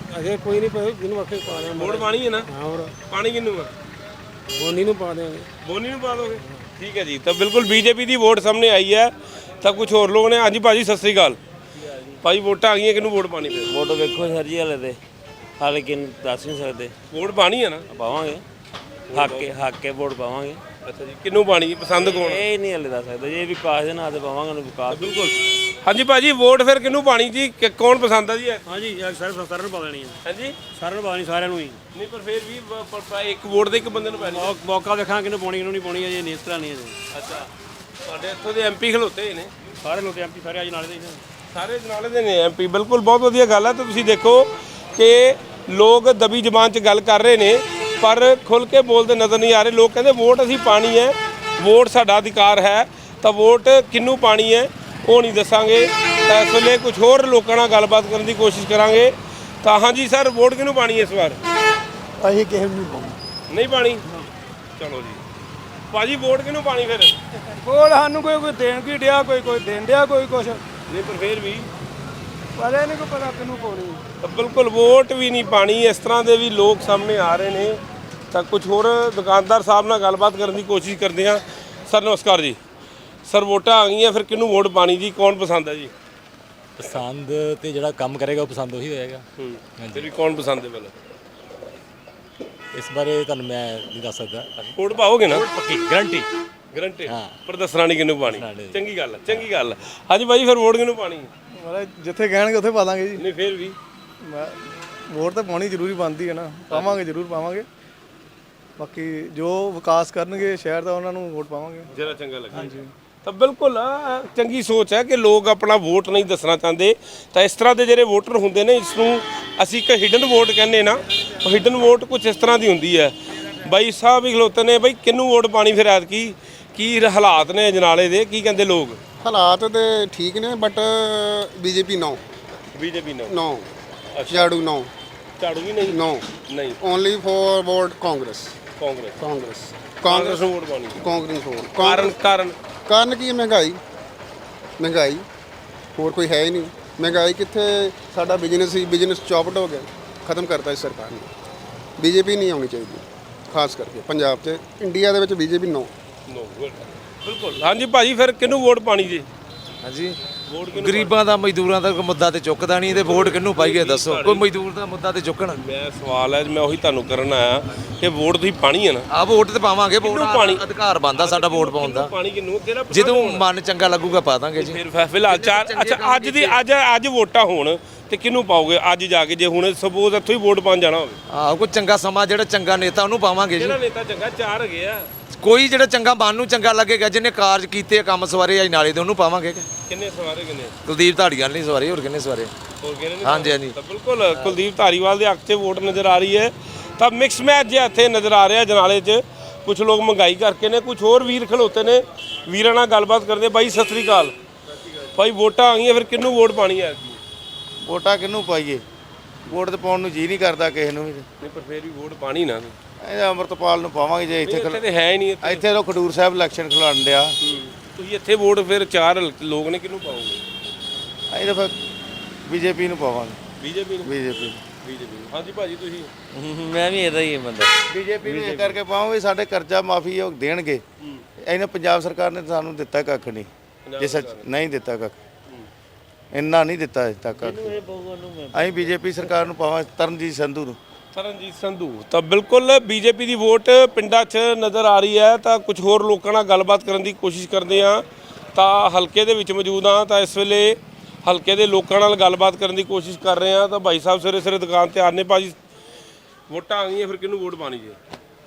[SPEAKER 4] ਅਜੇ ਕੋਈ ਨਹੀਂ ਪਤਾ ਜਿਹਨੂੰ ਆਖੇ ਪਾ ਦਿਆਂਗੇ
[SPEAKER 1] ਵੋਟ ਪਾਣੀ ਹੈ ਨਾ?
[SPEAKER 4] ਹਾਂ ਹੋਰ
[SPEAKER 1] ਪਾਣੀ ਕਿਹਨੂੰ ਆ?
[SPEAKER 4] ਬੋਨੀ ਨੂੰ ਪਾ ਦਿਆਂਗੇ।
[SPEAKER 1] ਬੋਨੀ ਨੂੰ ਪਾ ਦੋਗੇ? ਠੀਕ ਹੈ ਜੀ। ਤਾਂ ਬਿਲਕੁਲ ਬੀਜੇਪੀ ਦੀ ਵੋਟ ਸਾਹਮਣੇ ਆਈ ਹੈ ਤਾਂ ਕੁਝ ਹੋਰ ਲੋਕ ਨੇ। ਹਾਂਜੀ ਭਾਜੀ ਸਤਿ ਸ੍ਰੀ ਅਕਾਲ। ਭਾਜੀ ਵੋਟਾਂ ਆ ਗਈਆਂ, ਕਿਹਨੂੰ ਵੋਟ ਪਾਣੀ ਫਿਰ?
[SPEAKER 9] ਵੋਟ ਵੇਖੋ ਸਰ ਜੀ ਹਲੇ ਤੇ ਹਾਲੇ ਕਿਨ ਦੱਸ ਨਹੀਂ ਸਕਦੇ।
[SPEAKER 1] ਵੋਟ ਪਾਣੀ ਹੈ ਨਾ?
[SPEAKER 9] ਪਾਵਾਂਗੇ ਹੱਕ ਕੇ ਹੱਕ ਕੇ ਵੋਟ ਪਾਵਾਂਗੇ।
[SPEAKER 1] ਅੱਛਾ ਜੀ, ਕਿਹਨੂੰ ਪਾਣੀ ਪਸੰਦ ਕੌਣ?
[SPEAKER 9] ਇਹ ਨਹੀਂ ਹਲੇ ਦੱਸ ਸਕਦੇ ਜੇ ਵਿਕਾਸ ਦੇ ਨਾਂ ਤੇ ਪਾਵਾਂਗੇ ਉਹਨੂੰ ਵਿਕਾਸ।
[SPEAKER 1] ਬਿਲਕੁਲ। ਹਾਂਜੀ ਭਾਜੀ ਵੋਟ ਫਿਰ ਕਿਹਨੂੰ ਪਾਣੀ ਜੀ? ਕਿ- ਕੌਣ ਪਸੰਦ ਆ ਜੀ?
[SPEAKER 9] ਹਾਂਜੀ ਸਰ ਸਾਰਿਆਂ ਨੂੰ ਪਾ ਦੇਣੀ ਹੈ।
[SPEAKER 1] ਹਾਂਜੀ
[SPEAKER 9] ਸਾਰਿਆਂ ਨੂੰ ਪਾ ਦੇਣੀ, ਸਾਰਿਆਂ ਨੂੰ ਹੀ।
[SPEAKER 1] ਨਹੀਂ ਪਰ ਫਿਰ ਵੀ ਬ- ਪ- ਪ- ਇੱਕ ਵੋਟ ਦੇ ਇੱਕ ਬੰਦੇ ਨੂੰ ਪੈਣੀ।
[SPEAKER 9] ਮੌਕਾ ਦੇਖਾਂ ਕਿਹਨੂੰ ਪਾਉਣੀ ਕਿਹਨੂੰ ਨਹੀਂ ਪਾਉਣੀ ਅਜੇ ਨਹੀਂ ਇਸ ਤਰ੍ਹਾਂ ਨਹੀਂ ਅਜੇ।
[SPEAKER 1] ਅੱਛਾ ਤੁਹਾਡੇ ਇੱਥੋਂ ਦੇ ਐਮਪੀ ਖਲੋਤੇ ਹੋਏ ਨੇ?
[SPEAKER 9] ਸਾਰੇ ਲੋਕ ਐਮਪੀ ਸਾਰੇ ਅੱਜ ਨਾਲੇ ਦੇ ਹੀ ਨੇ।
[SPEAKER 1] ਸਾਰੇ ਜਨਾਲੇ ਦੇ ਨੇ ਐਮਪੀ। ਬਿਲਕੁਲ ਬਹੁਤ ਵਧੀਆ ਗੱਲ ਹੈ। ਤਾਂ ਤੁਸੀਂ ਦੇਖੋ ਕਿ ਲੋਕ ਦਬੀ ਜ਼ਬਾਨ 'ਚ ਗੱਲ ਕਰ ਰਹੇ ਨੇ ਪਰ ਖੁੱਲ ਕੇ ਬੋਲਦੇ ਨਜ਼ਰ ਨਹੀਂ ਆ ਰਹੇ। ਲੋਕ ਕਹਿੰਦੇ ਵੋਟ ਅਸੀਂ ਪਾਣੀ ਹੈ, ਵੋਟ ਸਾਡਾ ਅਧਿਕਾਰ ਹੈ, ਤਾਂ ਵੋਟ ਕਿਹਨੂੰ ਪਾਣੀ ਹੈ ਉਹ ਨਹੀਂ ਦੱਸਾਂਗੇ। ਤਾਂ ਇਸ ਵੇਲੇ ਕੁਝ ਹੋਰ ਲੋਕਾਂ ਨਾਲ ਗੱਲਬਾਤ ਕਰਨ ਦੀ ਕੋਸ਼ਿਸ਼ ਕਰਾਂਗੇ। ਤਾਂ ਹਾਂਜੀ ਸਰ ਵੋਟ ਕਿਹਨੂੰ ਪਾਣੀ ਹੈ ਇਸ ਵਾਰ?
[SPEAKER 4] ਅਸੀਂ ਕਿਸੇ ਨੂੰ ਨਹੀਂ ਪਾਉਂਦੇ।
[SPEAKER 1] ਨਹੀਂ ਪਾਣੀ? ਚਲੋ ਜੀ ਭਾਜੀ ਵੋਟ ਕਿਹਨੂੰ ਪਾਣੀ ਫਿਰ?
[SPEAKER 4] ਵੋਟ ਸਾਨੂੰ ਕੋਈ ਕੋਈ ਦੇਣ ਕੀ ਡਿਆ, ਕੋਈ ਕੋਈ ਦੇਣ ਡਿਆ, ਕੋਈ ਕੁਛ
[SPEAKER 1] ਨਹੀਂ ਪਰ ਫਿਰ ਵੀ
[SPEAKER 4] ਪਰ ਇਹ ਨਹੀਂ ਕੋਈ ਪਤਾ ਕਿਹਨੂੰ ਪਾਉਣੀ।
[SPEAKER 1] ਤਾਂ ਬਿਲਕੁਲ ਵੋਟ ਵੀ ਨਹੀਂ ਪਾਣੀ। ਇਸ ਤਰ੍ਹਾਂ ਦੇ ਵੀ ਲੋਕ ਸਾਹਮਣੇ ਆ ਰਹੇ ਨੇ। ਤਾਂ ਕੁਝ ਹੋਰ ਦੁਕਾਨਦਾਰ ਸਾਹਿਬ ਨਾਲ ਗੱਲਬਾਤ ਕਰਨ ਦੀ ਕੋਸ਼ਿਸ਼ ਕਰਦੇ ਹਾਂ। ਸਰ ਨਮਸਕਾਰ ਜੀ। ਸਰ ਵੋਟਾਂ ਆ ਗਈਆਂ, ਫਿਰ ਕਿਹਨੂੰ ਵੋਟ ਪਾਣੀ ਜੀ? ਕੌਣ ਪਸੰਦ ਹੈ ਜੀ?
[SPEAKER 9] ਪਸੰਦ ਤੇ ਜਿਹੜਾ ਕੰਮ ਕਰੇਗਾ ਉਹ ਪਸੰਦ ਉਹੀ ਹੋਏਗਾ।
[SPEAKER 1] ਹੂੰ ਫਿਰ ਵੀ ਕੌਣ ਪਸੰਦ ਹੈ ਪਹਿਲਾਂ?
[SPEAKER 9] ਇਸ ਬਾਰੇ ਤੁਹਾਨੂੰ ਮੈਂ ਨਹੀਂ ਦੱਸ ਸਕਦਾ।
[SPEAKER 1] ਵੋਟ ਪਾਓਗੇ ਨਾ?
[SPEAKER 9] ਪੱਕੀ ਗਰੰਟੀ।
[SPEAKER 1] ਗਰੰਟੀ
[SPEAKER 9] ਹਾਂ।
[SPEAKER 1] ਪਰ ਦੱਸਣਾ ਨਹੀਂ ਕਿਹਨੂੰ ਪਾਣੀ।
[SPEAKER 9] ਦੱਸਣਾ ਨਹੀਂ।
[SPEAKER 1] ਚੰਗੀ ਗੱਲ ਹੈ, ਚੰਗੀ ਗੱਲ ਹੈ। ਹਾਂਜੀ ਭਾਈ ਫਿਰ ਵੋਟ ਕਿਹਨੂੰ ਪਾਣੀ?
[SPEAKER 4] ਮਤਲਬ ਜਿੱਥੇ ਕਹਿਣਗੇ ਉੱਥੇ ਪਾ ਦਾਂਗੇ ਜੀ।
[SPEAKER 1] ਨਹੀਂ ਫਿਰ ਵੀ
[SPEAKER 4] ਵੋਟ ਤਾਂ ਪਾਉਣੀ ਜ਼ਰੂਰੀ ਬਣਦੀ ਹੈ ਨਾ, ਪਾਵਾਂਗੇ ਜ਼ਰੂਰ ਪਾਵਾਂਗੇ। ਬਾਕੀ ਜੋ ਵਿਕਾਸ ਕਰਨਗੇ ਸ਼ਹਿਰ ਦਾ ਉਹਨਾਂ ਨੂੰ ਵੋਟ ਪਾਵਾਂਗੇ।
[SPEAKER 1] ਜਿਹੜਾ ਚੰਗਾ ਲੱਗੇ। ਹਾਂਜੀ ਤਾਂ ਬਿਲਕੁਲ ਆ, ਚੰਗੀ ਸੋਚ ਹੈ ਕਿ ਲੋਕ ਆਪਣਾ ਵੋਟ ਨਹੀਂ ਦੱਸਣਾ ਚਾਹੁੰਦੇ। ਤਾਂ ਇਸ ਤਰ੍ਹਾਂ ਦੇ ਜਿਹੜੇ ਵੋਟਰ ਹੁੰਦੇ ਨੇ ਇਸ ਨੂੰ ਅਸੀਂ ਇੱਕ ਹਿਡਨ ਵੋਟ ਕਹਿੰਦੇ ਨਾ। ਉਹ ਹਿਡਨ ਵੋਟ ਕੁਝ ਇਸ ਤਰ੍ਹਾਂ ਦੀ ਹੁੰਦੀ ਹੈ। ਬਾਈ ਸਾਹਿਬ ਵੀ ਖਲੋਤੇ ਨੇ। ਬਾਈ ਕਿਹਨੂੰ ਵੋਟ ਪਾਣੀ ਫਿਰ ਐਤਕੀ? ਕੀ ਹਾਲਾਤ ਨੇ ਜਨਾਲੇ ਦੇ, ਕੀ ਕਹਿੰਦੇ ਲੋਕ?
[SPEAKER 6] ਹਾਲਾਤ ਤੇ ਠੀਕ ਨੇ ਬਟ ਬੀਜੇਪੀ ਨੋ
[SPEAKER 1] ਬੀਜੇਪੀ ਨੂੰ?
[SPEAKER 6] ਨੋ ਝਾੜੂ ਨੋ
[SPEAKER 1] ਝਾੜੂ ਵੀ ਨਹੀਂ?
[SPEAKER 6] ਨੋ
[SPEAKER 1] ਨਹੀਂ
[SPEAKER 6] only for vote Congress
[SPEAKER 1] Congress.
[SPEAKER 6] Congress
[SPEAKER 1] Congress ਨੂੰ ਵੋਟ ਪਾਣੀ?
[SPEAKER 6] ਕਾਂਗਰਸ ਵੋਟ
[SPEAKER 1] ਕਾਰਨ ਕਾਰਨ
[SPEAKER 6] ਕਾਰਨ ਕੀ ਹੈ? ਮਹਿੰਗਾਈ ਮਹਿੰਗਾਈ ਹੋਰ ਕੋਈ ਹੈ ਹੀ ਨਹੀਂ। ਮਹਿੰਗਾਈ ਕਿੱਥੇ? ਸਾਡਾ ਬਿਜ਼ਨਸ ਹੀ ਬਿਜ਼ਨਸ ਚੌਪਟ ਹੋ ਗਿਆ, ਖਤਮ ਕਰਤਾ ਇਸ ਸਰਕਾਰ ਨੇ। ਬੀਜੇਪੀ ਨਹੀਂ ਆਉਣੀ ਚਾਹੀਦੀ ਖਾਸ ਕਰਕੇ ਪੰਜਾਬ 'ਚ। ਇੰਡੀਆ ਦੇ ਵਿੱਚ ਬੀਜੇਪੀ ਨੋ
[SPEAKER 1] ਨੋ ਬਿਲਕੁਲ। ਹਾਂਜੀ ਭਾਜੀ ਫਿਰ ਕਿਹਨੂੰ ਵੋਟ ਪਾਣੀ ਜੀ?
[SPEAKER 7] ਹਾਂਜੀ
[SPEAKER 1] ਵੋਟ
[SPEAKER 7] ਗਰੀਬਾਂ ਦਾ ਮਜ਼ਦੂਰਾਂ ਦਾ ਕੋਈ ਮੁੱਦਾ ਤੇ ਚੁੱਕਦਾ ਨਹੀਂ ਤੇ ਵੋਟ ਕਿਹਨੂੰ ਪਾਈਏ ਦੱਸੋ? ਕੋਈ ਮਜ਼ਦੂਰ ਦਾ ਮੁੱਦਾ ਤੇ ਚੁੱਕਣ।
[SPEAKER 1] ਮੈਂ ਸਵਾਲ ਹੈ ਮੈਂ ਉਹੀ ਤੁਹਾਨੂੰ ਕਰਨ ਆਇਆ ਕਿ ਵੋਟ ਤੁਸੀਂ ਪਾਣੀ ਹੈ ਨਾ?
[SPEAKER 7] ਆ ਵੋਟ ਤੇ ਪਾਵਾਂਗੇ। ਵੋਟ
[SPEAKER 1] ਕਿਹਨੂੰ ਪਾਣੀ?
[SPEAKER 7] ਅਧਿਕਾਰ ਬਣਦਾ ਸਾਡਾ ਵੋਟ ਪਾਉਣ ਦਾ।
[SPEAKER 1] ਪਾਣੀ ਕਿਹਨੂੰ? ਕਿਹੜਾ ਪਸੰਦ
[SPEAKER 7] ਜਦੋਂ
[SPEAKER 1] ਹੋਣਾ?
[SPEAKER 7] ਮਨ ਚੰਗਾ ਲੱਗੂਗਾ ਪਾ ਦਾਂਗੇ ਜੀ।
[SPEAKER 1] ਫਿਰ ਫ- ਫਿਲਹਾਲ ਚਾਰ ਅੱਛਾ ਅੱਜ ਦੀ ਅੱਜ ਅੱਜ ਵੋਟਾਂ ਹੋਣ ਤੇ ਕਿਹਨੂੰ ਪਾਓਗੇ ਅੱਜ ਜਾ ਕੇ? ਜੇ ਹੁਣ ਸਪੋਜ਼ ਇੱਥੋਂ ਹੀ ਵੋਟ ਪਾਉਣ ਜਾਣਾ ਹੋਵੇ?
[SPEAKER 7] ਆਹ ਕੋਈ ਚੰਗਾ ਸਮਾਂ ਜਿਹੜਾ ਚੰਗਾ ਨੇਤਾ ਉਹਨੂੰ ਪਾਵਾਂਗੇ ਜੀ।
[SPEAKER 1] ਕਿਹੜਾ ਨੇਤਾ ਚੰਗਾ? ਚਾਰ ਹੈਗੇ ਆ।
[SPEAKER 7] ਕੋਈ ਜਿਹੜਾ ਚੰਗਾ ਮਨ ਨੂੰ ਚੰਗਾ ਲੱਗੇਗਾ, ਜਿਹਨੇ ਕਾਰਜ ਕੀਤੇ ਕੰਮ ਸਵਾਰੇ ਅੱਜ ਨਾਲੇ ਦੇ ਉਹਨੂੰ ਪਾਵਾਂਗੇ।
[SPEAKER 1] ਕਿੰਨੇ ਸਵਾਰੇ ਕਿੰਨੇ?
[SPEAKER 7] ਕੁਲਦੀਪ ਧਾੜੀਵਾਲ ਨਹੀਂ ਸਵਾਰੇ, ਹੋਰ ਕਿੰਨੇ ਸਵਾਰੇ?
[SPEAKER 1] ਹੋਰ ਕਿਹਨੇ ਨਹੀਂ?
[SPEAKER 7] ਹਾਂਜੀ ਹਾਂਜੀ।
[SPEAKER 1] ਤਾਂ ਬਿਲਕੁਲ ਕੁਲਦੀਪ ਧਾਰੀਵਾਲ ਦੇ ਹੱਕ 'ਚ ਵੋਟ ਨਜ਼ਰ ਆ ਰਹੀ ਹੈ। ਤਾਂ ਮਿਕਸ ਮੈਚ ਜਿਹਾ ਇੱਥੇ ਨਜ਼ਰ ਆ ਰਿਹਾ ਜਨਾਲੇ 'ਚ। ਕੁਝ ਲੋਕ ਮਹਿੰਗਾਈ ਕਰਕੇ ਨੇ, ਕੁਝ ਹੋਰ ਵੀਰ ਖਲੋਤੇ ਨੇ। ਵੀਰਾਂ ਨਾਲ ਗੱਲਬਾਤ ਕਰਦੇ। ਬਾਈ ਸਤਿ ਸ੍ਰੀ ਅਕਾਲ। ਭਾਈ ਵੋਟਾਂ ਆ ਗਈਆਂ, ਫਿਰ ਕਿਹਨੂੰ ਵੋਟ ਪਾਣੀ ਹੈ?
[SPEAKER 2] ਵੋਟਾਂ ਕਿਹਨੂੰ ਪਾਈਏ? ਵੋਟ ਤੇ ਪਾਉਣ ਨੂੰ ਜੀ ਨਹੀਂ ਕਰਦਾ ਕਿਸੇ ਨੂੰ ਵੀ।
[SPEAKER 1] ਨਹੀਂ ਪਰ ਫਿਰ ਵੀ ਵੋਟ ਪਾਣੀ ਨਾ।
[SPEAKER 2] ਇਹ ਅੰਮ੍ਰਿਤਪਾਲ ਨੂੰ ਪਾਵਾਂਗੇ ਜੇ ਇੱਥੇ
[SPEAKER 1] ਇੱਥੇ ਤੇ ਹੈ ਹੀ ਨਹੀਂ। ਇੱਥੇ
[SPEAKER 2] ਇੱਥੇ ਤਾਂ ਖਡੂਰ ਸਾਹਿਬ ਇਲੈਕਸ਼ਨ ਖਿਲਾਉਣ ਡਿਆ।
[SPEAKER 1] ਤੁਸੀਂ ਇੱਥੇ ਵੋਟ ਫਿਰ ਚਾਰ ਲੋਕ ਨੇ, ਕਿਹਨੂੰ ਪਾਓਗੇ?
[SPEAKER 2] ਅਸੀਂ ਤਾਂ ਫਿਰ ਬੀਜੇਪੀ ਨੂੰ ਪਾਵਾਂਗੇ।
[SPEAKER 1] ਬੀਜੇਪੀ ਨੂੰ?
[SPEAKER 2] ਬੀਜੇਪੀ
[SPEAKER 1] ਬੀਜੇਪੀ ਨੂੰ। ਹਾਂਜੀ ਭਾਜੀ ਤੁਸੀਂ?
[SPEAKER 9] ਮੈਂ ਵੀ ਇਹਦਾ ਹੀ ਬੰਦਾ।
[SPEAKER 2] ਬੀਜੇਪੀ ਨੂੰ ਇਹ ਕਰਕੇ ਪਾਵਾਂਗੇ ਸਾਡੇ ਕਰਜ਼ਾ ਮਾਫੀ ਉਹ ਦੇਣਗੇ। ਇਹਨੇ ਪੰਜਾਬ ਸਰਕਾਰ ਨੇ ਸਾਨੂੰ ਦਿੱਤਾ ਕੱਖ ਨਹੀਂ। ਜੇ ਸੱਚ ਨਹੀਂ ਦਿੱਤਾ ਕੱਖ, ਇੰਨਾ ਨਹੀਂ ਦਿੱਤਾ ਅਜੇ ਤੱਕ ਕੱਖ। ਅਸੀਂ ਬੀਜੇਪੀ ਸਰਕਾਰ ਨੂੰ ਪਾਵਾਂ, ਤਰਨਜੀਤ ਸੰਧੂ ਨੂੰ।
[SPEAKER 1] ਤਰਨਜੀਤ ਸੰਧੂ। ਤਾਂ ਬਿਲਕੁਲ ਬੀਜੇਪੀ ਦੀ ਵੋਟ ਪਿੰਡਾਂ 'ਚ ਨਜ਼ਰ ਆ ਰਹੀ ਹੈ। ਤਾਂ ਕੁਝ ਹੋਰ ਲੋਕਾਂ ਨਾਲ ਗੱਲਬਾਤ ਕਰਨ ਦੀ ਕੋਸ਼ਿਸ਼ ਕਰਦੇ ਹਾਂ। ਤਾਂ ਹਲਕੇ ਦੇ ਵਿੱਚ ਮੌਜੂਦ ਹਾਂ। ਤਾਂ ਇਸ ਵੇਲੇ ਹਲਕੇ ਦੇ ਲੋਕਾਂ ਨਾਲ ਗੱਲਬਾਤ ਕਰਨ ਦੀ ਕੋਸ਼ਿਸ਼ ਕਰ ਰਹੇ ਹਾਂ। ਤਾਂ ਭਾਈ ਸਾਹਿਬ ਸਵੇਰੇ ਸਵੇਰੇ ਦੁਕਾਨ ਤੇ ਆ ਨੇ। ਭਾਜੀ ਵੋਟਾਂ ਆ ਗਈਆਂ, ਫਿਰ ਕਿਹਨੂੰ ਵੋਟ ਪਾਣੀ ਜੀ?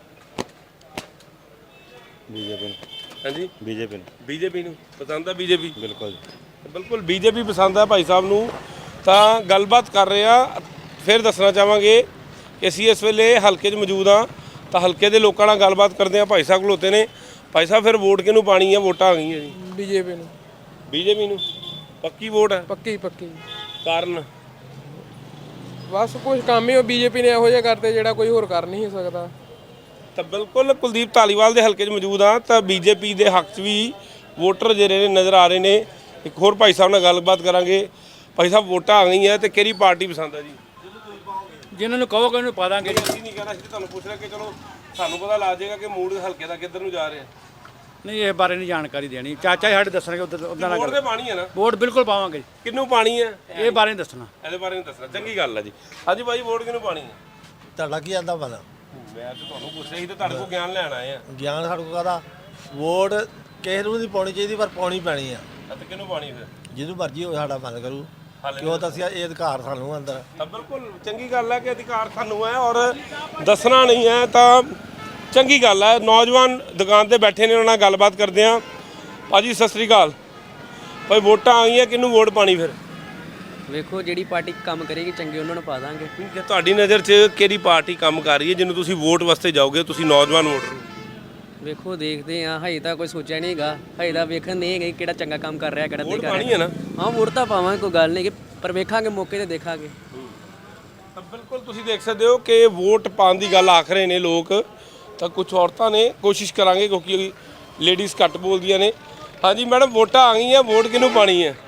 [SPEAKER 9] ਬੀਜੇਪੀ ਨੂੰ।
[SPEAKER 1] ਹਾਂਜੀ
[SPEAKER 9] ਬੀਜੇਪੀ ਨੂੰ।
[SPEAKER 1] ਬੀਜੇਪੀ ਨੂੰ ਪਸੰਦ ਆ? ਬੀਜੇਪੀ
[SPEAKER 9] ਬਿਲਕੁਲ
[SPEAKER 1] ਬਿਲਕੁਲ ਬੀਜੇਪੀ ਪਸੰਦ ਆ ਭਾਈ ਸਾਹਿਬ ਨੂੰ। ਤਾਂ ਗੱਲਬਾਤ ਕਰ ਰਹੇ ਹਾਂ। ਫਿਰ ਦੱਸਣਾ ਚਾਹਾਂਗੇ ਕਿ ਅਸੀਂ ਇਸ ਵੇਲੇ ਹਲਕੇ 'ਚ ਮੌਜੂਦ ਹਾਂ। ਤਾਂ ਹਲਕੇ ਦੇ ਲੋਕਾਂ ਨਾਲ ਗੱਲਬਾਤ ਕਰਦੇ ਹਾਂ। ਭਾਈ ਸਾਹਿਬ ਖਲੋਤੇ ਨੇ। ਭਾਈ ਸਾਹਿਬ ਫਿਰ ਵੋਟ ਕਿਹਨੂੰ ਪਾਣੀ ਹੈ? ਵੋਟਾਂ ਆ ਗਈਆਂ ਜੀ।
[SPEAKER 4] ਬੀਜੇਪੀ ਨੂੰ।
[SPEAKER 1] ਬੀਜੇਪੀ ਨੂੰ ਪੱਕੀ ਵੋਟ ਹੈ?
[SPEAKER 4] ਪੱਕੀ ਪੱਕੀ।
[SPEAKER 1] ਕਾਰਨ?
[SPEAKER 4] ਬਸ ਕੁਝ ਕੰਮ ਹੀ ਉਹ ਬੀਜੇਪੀ ਨੇ ਇਹੋ ਜਿਹਾ ਕਰਤੇ ਜਿਹੜਾ ਕੋਈ ਹੋਰ ਕਰ ਨਹੀਂ ਸਕਦਾ।
[SPEAKER 1] ਤਾਂ ਬਿਲਕੁਲ ਕੁਲਦੀਪ ਧਾਲੀਵਾਲ ਦੇ ਹਲਕੇ 'ਚ ਮੌਜੂਦ ਹਾਂ। ਤਾਂ ਬੀਜੇਪੀ ਦੇ ਹੱਕ 'ਚ ਵੀ ਵੋਟਰ ਜਿਹੜੇ ਨੇ ਨਜ਼ਰ ਆ ਰਹੇ ਨੇ। ਇੱਕ ਹੋਰ ਭਾਈ ਸਾਹਿਬ ਨਾਲ ਗੱਲਬਾਤ ਕਰਾਂਗੇ। ਭਾਈ ਸਾਹਿਬ ਵੋਟਾਂ ਆ ਗਈਆਂ ਤੇ ਕਿਹੜੀ ਪਾਰਟੀ ਪਸੰਦ ਹੈ ਜੀ?
[SPEAKER 8] ਜਿਨ੍ਹਾਂ ਨੂੰ ਕਹੋਗੇ ਉਹਨੂੰ ਪਾ ਦਾਂਗੇ
[SPEAKER 1] ਅਸੀਂ ਨਹੀਂ ਕਹਿਣਾ, ਅਸੀਂ ਤੁਹਾਨੂੰ ਪੁੱਛ ਰਹੇ ਕਿ ਚਲੋ ਸਾਨੂੰ ਪਤਾ ਲੱਗ ਜਾਏਗਾ ਕਿ ਮੂਡ ਹਲਕੇ ਦਾ ਕਿੱਧਰ ਨੂੰ ਜਾ ਰਿਹਾ।
[SPEAKER 8] ਨਹੀਂ ਇਹ ਬਾਰੇ ਨਹੀਂ ਜਾਣਕਾਰੀ ਦੇਣੀ, ਚਾਚਾ ਜੀ ਸਾਡੇ ਦੱਸਣਗੇ ਉਧਰ ਉਦਾਂ
[SPEAKER 1] ਵੋਟ
[SPEAKER 8] ਨਾਲ
[SPEAKER 1] ਤੇ ਪਾਣੀ ਹੈ ਨਾ,
[SPEAKER 8] ਵੋਟ ਬਿਲਕੁਲ ਪਾਵਾਂਗੇ।
[SPEAKER 1] ਕਿਹਨੂੰ ਪਾਣੀ ਹੈ
[SPEAKER 8] ਇਹ ਬਾਰੇ ਨਹੀਂ ਦੱਸਣਾ।
[SPEAKER 1] ਇਹਦੇ ਬਾਰੇ ਨਹੀਂ ਦੱਸਣਾ, ਚੰਗੀ ਗੱਲ ਹੈ ਜੀ। ਹਾਂਜੀ ਭਾਈ, ਵੋਟ ਕਿਹਨੂੰ ਪਾਣੀ ਹੈ?
[SPEAKER 10] ਤੁਹਾਡਾ ਕੀ ਆਂਦਾ ਪਤਾ?
[SPEAKER 1] ਮੈਂ ਤਾਂ ਤੁਹਾਨੂੰ ਪੁੱਛ ਰਿਹਾ ਸੀ ਤੇ ਤੁਹਾਡੇ ਕੋਲ ਗਿਆਨ ਲੈਣ ਆਏ ਆ।
[SPEAKER 10] ਗਿਆਨ ਸਾਡੇ ਕੋਲ ਕਾਹਦਾ? ਵੋਟ ਕਿਸੇ ਨੂੰ ਨਹੀਂ ਪਾਉਣੀ ਚਾਹੀਦੀ, ਪਰ ਪਾਉਣੀ ਪੈਣੀ ਆ।
[SPEAKER 1] ਤੇ ਕਿਹਨੂੰ ਪਾਣੀ ਫਿਰ?
[SPEAKER 10] ਜਿਹਨੂੰ ਮਰਜ਼ੀ ਹੋਵੇ ਸਾਡਾ ਮਨ ਕਰੂ, ਕਿਉਂ ਤਾਂ ਅਸੀਂ ਇਹ ਅਧਿਕਾਰ ਸਾਨੂੰ ਅੰਦਰ।
[SPEAKER 1] ਤਾਂ ਬਿਲਕੁਲ ਚੰਗੀ ਗੱਲ ਹੈ ਕਿ ਅਧਿਕਾਰ ਸਾਨੂੰ ਹੈ ਔਰ ਦੱਸਣਾ ਨਹੀਂ ਹੈ, ਤਾਂ ਚੰਗੀ ਗੱਲ ਹੈ। ਨੌਜਵਾਨ ਦੁਕਾਨ ਤੇ ਬੈਠੇ ਨੇ, ਉਹਨਾਂ ਨਾਲ ਗੱਲਬਾਤ ਕਰਦੇ ਆ। ਭਾਜੀ ਸਤਿ ਸ੍ਰੀ ਅਕਾਲ। ਭਾਈ ਵੋਟਾਂ ਆ ਗਈਆਂ, ਕਿਹਨੂੰ ਵੋਟ ਪਾਣੀ ਫਿਰ?
[SPEAKER 11] ਵੇਖੋ ਜਿਹੜੀ ਪਾਰਟੀ ਕੰਮ ਕਰੇਗੀ ਚੰਗੇ ਉਹਨਾਂ ਨੂੰ ਪਾ ਦਾਂਗੇ।
[SPEAKER 1] ਤੁਹਾਡੀ ਨਜ਼ਰ 'ਚ ਕਿਹੜੀ ਪਾਰਟੀ ਕੰਮ ਕਰ ਰਹੀ ਹੈ ਜਿਹਨੂੰ ਤੁਸੀਂ ਵੋਟ ਵਾਸਤੇ ਜਾਓਗੇ? ਤੁਸੀਂ ਨੌਜਵਾਨ ਵੋਟਰ ਹੋ।
[SPEAKER 11] ਵੇਖੋ ਦੇਖਦੇ ਆ, ਹਜੇ ਤਾਂ ਕੋਈ ਸੋਚਿਆ ਨਹੀਂ ਹੈਗਾ, ਹਜੇ ਤਾਂ ਵੇਖਣ ਨਹੀਂ ਹੈਗੇ ਕਿਹੜਾ ਚੰਗਾ ਕੰਮ ਕਰ ਰਿਹਾ ਕਿਹੜਾ ਨਹੀਂ ਕਰ
[SPEAKER 1] ਪਾਣੀ ਹੈ
[SPEAKER 11] ਰਿਹਾ।
[SPEAKER 1] ਨਾ,
[SPEAKER 11] ਹਾਂ ਵੋਟ ਤਾਂ ਪਾਵਾਂਗੇ, ਕੋਈ ਗੱਲ ਨਹੀਂ, ਪਰ ਵੇਖਾਂਗੇ ਮੌਕੇ ਤੇ ਦੇਖਾਂਗੇ।
[SPEAKER 1] ਤਾਂ ਬਿਲਕੁਲ ਤੁਸੀਂ ਦੇਖ ਸਕਦੇ ਹੋ ਕਿ ਵੋਟ ਪਾਉਣ ਦੀ ਗੱਲ ਆਖ ਰਹੇ ਨੇ ਲੋਕ, ਤਾਂ ਕੁਝ ਔਰਤਾਂ ਨੇ ਕੋਸ਼ਿਸ਼ ਕਰਾਂਗੇ ਕਿਉਂਕਿ ਲੇਡੀਜ਼ ਘੱਟ ਬੋਲਦੀਆਂ ਨੇ। ਹਾਂਜੀ ਮੈਡਮ, ਵੋਟਾਂ ਆ ਗਈਆਂ, ਵੋਟ ਕਿਹਨੂੰ ਪਾਣੀ ਹੈ?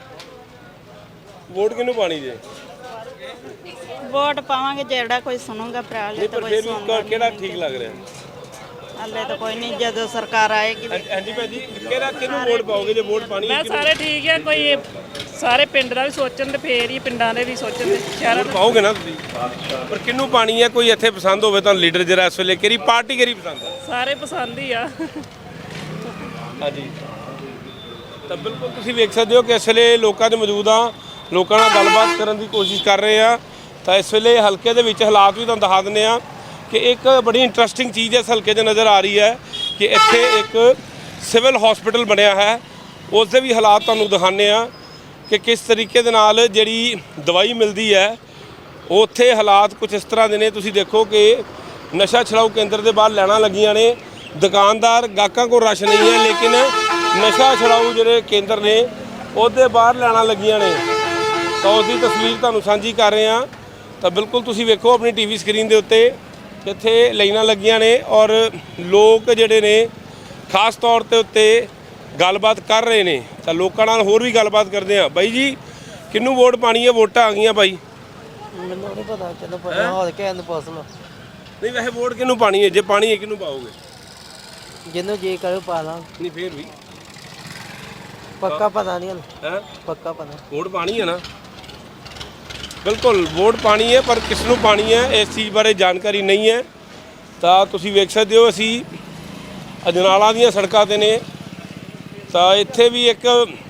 [SPEAKER 1] ਵੋਟ ਕਿਹਨੂੰ ਪਾਣੀ ਜੇ?
[SPEAKER 12] ਵੋਟ ਪਾਵਾਂਗੇ ਜਿਹੜਾ ਕੋਈ ਸੁਣੂਗਾ ਭਰਾ ਲੈ ਤਾਂ ਕੋਈ ਸੁਣਦਾ
[SPEAKER 1] ਕਿਹੜਾ ਠੀਕ ਲੱਗ ਰਿਹਾ?
[SPEAKER 12] ਹੱਲੇ ਤਾਂ ਕੋਈ ਨਹੀਂ, ਜਦੋਂ ਸਰਕਾਰ ਆਏਗੀ।
[SPEAKER 1] ਹਾਂਜੀ ਭਾਜੀ, ਕਿਹੜਾ ਕਿਹਨੂੰ ਵੋਟ ਪਾਓਗੇ ਜੇ ਵੋਟ ਪਾਣੀ ਹੈ?
[SPEAKER 12] ਸਾਰੇ ਠੀਕ ਹੈ, ਕੋਈ ਸਾਰੇ ਪਿੰਡ ਦਾ ਵੀ ਸੋਚਣ ਤੇ ਫੇਰ ਹੀ ਪਿੰਡਾਂ ਦੇ ਵੀ ਸੋਚਣ ਤੇ ਸ਼ਹਿਰਾਂ
[SPEAKER 1] ਪਾਓਗੇ ਨਾ ਤੁਸੀਂ, ਪਰ ਕਿਹਨੂੰ ਪਾਣੀ ਹੈ? ਕੋਈ ਇੱਥੇ ਪਸੰਦ ਹੋਵੇ ਤਾਂ ਲੀਡਰ ਜਿਹੜਾ ਇਸ ਵੇਲੇ ਕਿਹੜੀ ਪਾਰਟੀ ਕਿਹੜੀ ਪਸੰਦ ਹੈ?
[SPEAKER 12] ਸਾਰੇ ਪਸੰਦ ਹੀ ਆ।
[SPEAKER 1] ਹਾਂਜੀ, ਤਾਂ ਬਿਲਕੁਲ ਤੁਸੀਂ ਵੇਖ ਸਕਦੇ ਹੋ ਕਿ ਇਸ ਵੇਲੇ ਲੋਕਾਂ ਦੇ ਮੌਜੂਦ ਆ, ਲੋਕਾਂ ਨਾਲ ਗੱਲਬਾਤ ਕਰਨ ਦੀ ਕੋਸ਼ਿਸ਼ ਕਰ ਰਹੇ ਆ। ਤਾਂ ਇਸ ਵੇਲੇ ਹਲਕੇ ਦੇ ਵਿੱਚ ਹਾਲਾਤ ਵੀ ਤੁਹਾਨੂੰ ਦਿਖਾ ਦਿੰਦੇ ਆ ਕਿ ਇੱਕ ਬੜੀ ਇੰਟਰਸਟਿੰਗ ਚੀਜ਼ ਇਸ ਹਲਕੇ 'ਚ ਨਜ਼ਰ ਆ ਰਹੀ ਹੈ ਕਿ ਇੱਥੇ ਇੱਕ ਸਿਵਲ ਹਸਪੀਟਲ ਬਣਿਆ ਹੈ, ਉਸ ਦੇ ਵੀ ਹਾਲਾਤ ਤੁਹਾਨੂੰ ਦਿਖਾਉਂਦੇ ਆ ਕਿ ਕਿਸ ਤਰੀਕੇ ਦੇ ਨਾਲ ਜਿਹੜੀ ਦਵਾਈ ਮਿਲਦੀ ਹੈ ਉੱਥੇ ਹਾਲਾਤ ਕੁਝ ਇਸ ਤਰ੍ਹਾਂ ਦੇ ਨੇ। ਤੁਸੀਂ ਦੇਖੋ ਕਿ ਨਸ਼ਾ ਛੁਡਾਊ ਕੇਂਦਰ ਦੇ ਬਾਹਰ ਲਾਈਨਾਂ ਲੱਗੀਆਂ ਨੇ, ਦੁਕਾਨਦਾਰ ਗਾਹਕਾਂ ਕੋਲ ਰਸ਼ ਨਹੀਂ ਹੈ, ਲੇਕਿਨ ਨਸ਼ਾ ਛੁਡਾਊ ਜਿਹੜੇ ਕੇਂਦਰ ਨੇ ਉਹਦੇ ਬਾਹਰ ਲਾਈਨਾਂ ਲੱਗੀਆਂ ਨੇ। ਤਾਂ ਉਸ ਦੀ ਤਸਵੀਰ ਤੁਹਾਨੂੰ ਸਾਂਝੀ ਕਰ ਰਹੇ ਹਾਂ। ਤਾਂ ਬਿਲਕੁਲ ਤੁਸੀਂ ਵੇਖੋ ਆਪਣੀ ਟੀਵੀ ਸਕਰੀਨ ਦੇ ਉੱਤੇ ਇੱਥੇ ਲਾਈਨਾਂ ਲੱਗੀਆਂ ਨੇ ਔਰ ਲੋਕ ਜਿਹੜੇ ਨੇ ਖਾਸ ਤੌਰ ਤੇ ਉੱਤੇ ਗੱਲਬਾਤ ਕਰ ਰਹੇ ਨੇ। ਤਾਂ ਲੋਕਾਂ ਨਾਲ ਹੋਰ ਵੀ ਗੱਲਬਾਤ ਕਰਦੇ ਆ। ਬਾਈ ਜੀ, ਕਿਹਨੂੰ ਵੋਟ ਪਾਣੀ ਹੈ? ਵੋਟਾਂ ਆ ਗਈਆਂ ਬਾਈ।
[SPEAKER 11] ਮੈਨੂੰ ਨਹੀਂ ਪਤਾ, ਚਲੋ ਪਤਾ ਹੋ ਕੇ ਇਹਨੂੰ ਪੁੱਛ ਲਓ।
[SPEAKER 1] ਨਹੀਂ ਵੈਸੇ ਵੋਟ ਕਿਹਨੂੰ ਪਾਣੀ ਹੈ? ਜੇ ਪਾਣੀ ਹੈ ਕਿਹਨੂੰ ਪਾਓਗੇ?
[SPEAKER 11] ਜਿਹਨੂੰ ਜੇ ਕਰੇ ਪਾ ਲਾਂ।
[SPEAKER 1] ਨਹੀਂ ਫੇਰ ਵੀ
[SPEAKER 11] ਪੱਕਾ ਪਤਾ ਨਹੀਂ
[SPEAKER 1] ਹੈ,
[SPEAKER 11] ਪੱਕਾ ਪਤਾ।
[SPEAKER 1] ਵੋਟ ਪਾਣੀ ਹੈ ਨਾ? ਬਿਲਕੁਲ ਵੋਟ ਪਾਣੀ ਹੈ, ਪਰ ਕਿਸ ਨੂੰ ਪਾਣੀ ਹੈ ਇਸ ਚੀਜ਼ ਬਾਰੇ ਜਾਣਕਾਰੀ ਨਹੀਂ ਹੈ। ਤਾਂ ਤੁਸੀਂ ਵੇਖ ਸਕਦੇ ਹੋ ਅਸੀਂ ਅਜਨਾਲਾ ਦੀਆਂ ਸੜਕਾਂ ਤੇ ਨੇ, ਤਾਂ ਇੱਥੇ ਵੀ ਇੱਕ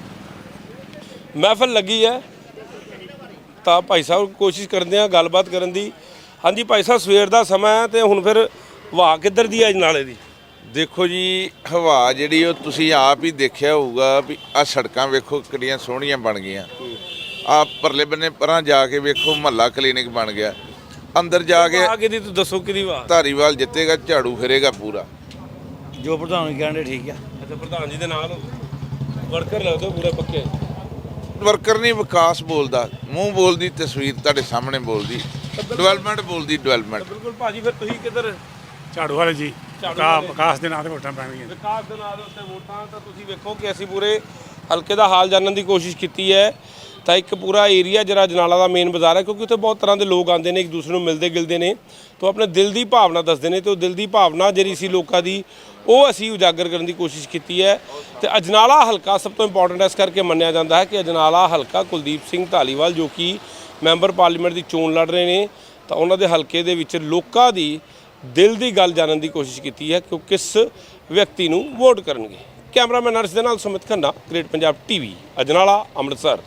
[SPEAKER 1] ਮਹਿਫਲ ਲੱਗੀ ਹੈ। ਤਾਂ ਭਾਈ ਸਾਹਿਬ ਕੋਸ਼ਿਸ਼ ਕਰਦੇ ਆ ਗੱਲਬਾਤ ਕਰਨ ਦੀ। ਹਾਂਜੀ ਭਾਈ ਸਾਹਿਬ, ਸਵੇਰ ਦਾ ਸਮਾਂ ਹੈ ਤੇ ਹੁਣ ਫਿਰ ਹਵਾ ਕਿੱਧਰ ਦੀ ਹੈ ਅਜਨਾਲੇ ਦੀ?
[SPEAKER 13] ਦੇਖੋ ਜੀ, ਹਵਾ ਜਿਹੜੀ ਉਹ ਤੁਸੀਂ ਆਪ ਹੀ ਦੇਖਿਆ ਹੋਊਗਾ ਵੀ ਆ ਸੜਕਾਂ ਵੇਖੋ ਕਿੰਨੀਆਂ ਸੋਹਣੀਆਂ ਬਣ ਗਈਆਂ। ਆ ਪਰਲੇ ਬੰਨੇ ਪਰਾਂ ਜਾ ਕੇ ਵੇਖੋ ਮਹੱਲਾ ਕਲੀਨਿਕ ਬਣ ਗਿਆ। ਅੰਦਰ ਜਾ ਕੇ
[SPEAKER 1] ਆ ਕਿਹਦੀ, ਤੂੰ ਦੱਸੋ ਕਿਹਦੀ ਆਵਾਜ਼?
[SPEAKER 13] ਧਾਰੀਵਾਲ ਜਿੱਤੇਗਾ, ਝਾੜੂ ਫਿਰੇਗਾ ਪੂਰਾ।
[SPEAKER 10] ਜੋ ਪ੍ਰਧਾਨ ਕਹਿੰਦੇ ਠੀਕ ਆ।
[SPEAKER 1] ਅੱਛਾ, ਪ੍ਰਧਾਨ ਜੀ ਦੇ ਨਾਲ ਵਰਕਰ ਲੱਗਦੇ ਪੂਰੇ ਪੱਕੇ।
[SPEAKER 13] ਵਰਕਰ ਨਹੀਂ, ਵਿਕਾਸ ਬੋਲਦਾ, ਮੂੰਹ ਬੋਲਦੀ, ਤਸਵੀਰ ਤੁਹਾਡੇ ਸਾਹਮਣੇ ਬੋਲਦੀ, ਡਿਵੈਲਪਮੈਂਟ ਬੋਲਦੀ, ਡਿਵੈਲਪਮੈਂਟ।
[SPEAKER 1] ਬਿਲਕੁਲ ਭਾਜੀ, ਫਿਰ ਤੁਸੀਂ ਕਿੱਧਰ?
[SPEAKER 8] ਝਾੜੂ ਵਾਲੇ ਜੀ, ਵਿਕਾਸ ਦੇ ਨਾਂ ਤੇ ਵੋਟਾਂ ਪੈਣਗੀਆਂ।
[SPEAKER 1] ਵਿਕਾਸ ਦੇ ਨਾਂ ਦੇ ਉੱਤੇ ਵੋਟਾਂ। ਤਾਂ ਤੁਸੀਂ ਵੇਖੋ ਕਿ ਅਸੀਂ ਪੂਰੇ ਹਲਕੇ ਦਾ ਹਾਲ ਜਾਣਨ ਦੀ ਕੋਸ਼ਿਸ਼ ਕੀਤੀ ਹੈ। ਤਾਂ ਇੱਕ ਪੂਰਾ ਏਰੀਆ ਜਿਹੜਾ ਅਜਨਾਲਾ ਦਾ ਮੇਨ ਬਾਜ਼ਾਰ ਹੈ, ਕਿਉਂਕਿ ਉੱਥੇ ਬਹੁਤ ਤਰ੍ਹਾਂ ਦੇ ਲੋਕ ਆਉਂਦੇ ਨੇ, ਇੱਕ ਦੂਸਰੇ ਨੂੰ ਮਿਲਦੇ ਗਿਲਦੇ ਨੇ, ਤਾਂ ਆਪਣੇ ਦਿਲ ਦੀ ਭਾਵਨਾ ਦੱਸਦੇ ਨੇ। ਤੇ ਉਹ ਦਿਲ ਦੀ ਭਾਵਨਾ ਜਿਹੜੀ ਸੀ ਲੋਕਾਂ ਦੀ, ਉਹ ਅਸੀਂ ਉਜਾਗਰ ਕਰਨ ਦੀ ਕੋਸ਼ਿਸ਼ ਕੀਤੀ ਹੈ। ਤੇ ਅਜਨਾਲਾ ਹਲਕਾ ਸਭ ਤੋਂ ਇੰਪੋਰਟੈਂਟ ਇਸ ਕਰਕੇ ਮੰਨਿਆ ਜਾਂਦਾ ਹੈ ਕਿ ਅਜਨਾਲਾ ਹਲਕਾ ਕੁਲਦੀਪ ਸਿੰਘ ਧਾਲੀਵਾਲ ਜੋ ਕਿ ਮੈਂਬਰ ਪਾਰਲੀਮੈਂਟ ਦੀ ਚੋਣ ਲੜ ਰਹੇ ਨੇ, ਤਾਂ ਉਹਨਾਂ ਦੇ ਹਲਕੇ ਦੇ ਵਿੱਚ ਲੋਕਾਂ ਦੀ ਦਿਲ ਦੀ ਗੱਲ ਜਾਣਨ ਦੀ ਕੋਸ਼ਿਸ਼ ਕੀਤੀ ਹੈ ਕਿ ਉਹ ਕਿਸ ਵਿਅਕਤੀ ਨੂੰ ਵੋਟ ਕਰਨਗੇ। ਕੈਮਰਾਮੈਨ ਅਰਸ਼ ਦੇ ਨਾਲ ਸੁਮਿਤ ਖੰਨਾ, ਗ੍ਰੇਟ ਪੰਜਾਬ ਟੀਵੀ, ਅਜਨਾਲਾ, ਅੰਮ੍ਰਿਤਸਰ।